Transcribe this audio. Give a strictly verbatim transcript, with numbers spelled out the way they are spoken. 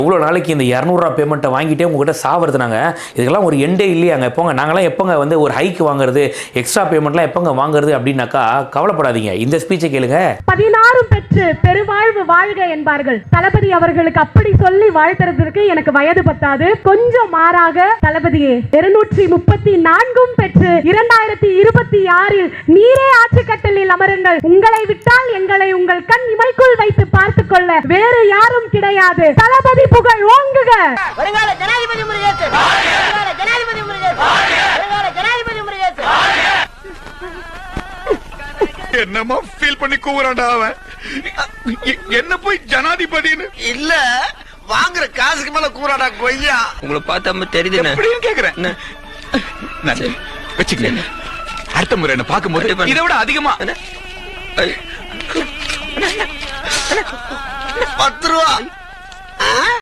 இவ்வளோ நாளைக்கு இந்த இரநூறுவா பேமெண்ட்டை வாங்கிட்டே உங்ககிட்ட சாவறது நாங்கள், இதுக்கெல்லாம் ஒரு எண்டே இல்லையாங்க. எப்போங்க நாங்களாம் எப்போங்க வந்து ஒரு ஹைக் வாங்குறது, எக்ஸ்ட்ரா பேமெண்ட்லாம் எப்போங்க வாங்குறது அப்படின்னாக்கா கவலைப்படாதீங்க, இந்த ஸ்பீச்சை கேளுங்க. பதினாறும் பெற்று பெருவாழ்வு வாழ்க என்பார்கள். தளபதி அவர்களுக்கு அப்படி சொல்லி வாழ்த்துறதுக்கு எனக்கு வயது பத்தாது. கொஞ்சம் மாறாக தளபதியே இருநூற்றி முப்பத்தி நான்கும் பெற்று இரண்டாயிரத்தி இருபத்தி ஆறில் நீரே ஆட்சி கட்டலில் அமருங்கள். உங்களை விட்டால் எங்களை உங்கள் கண் இமைக்குள் வைத்து பார்த்துக் கொள்ள வேறு யாரும் கிடையாது. தளபதி புகழ் ஓங்குக. வருங்கால ஜனாதிபதி முருகேசு, வருங்கால ஜனாதிபதி முருகேசு, வருங்கால ஜனாதிபதி முருகேசு. என்னமா ஃபீல் பண்ணி கூவுறான்டா அவன். என்ன போய் ஜனாதிபதின்னு இல்ல வாங்குற காசுக்கு மேல கூறாடா கொய்யா. உங்களை பார்த்தா தெரியுது எப்படின்னு கேக்குறேன். வச்சுக்கல அடுத்த முறை என்ன பார்க்கும்போது இதை விட அதிகமா பத்து ரூபா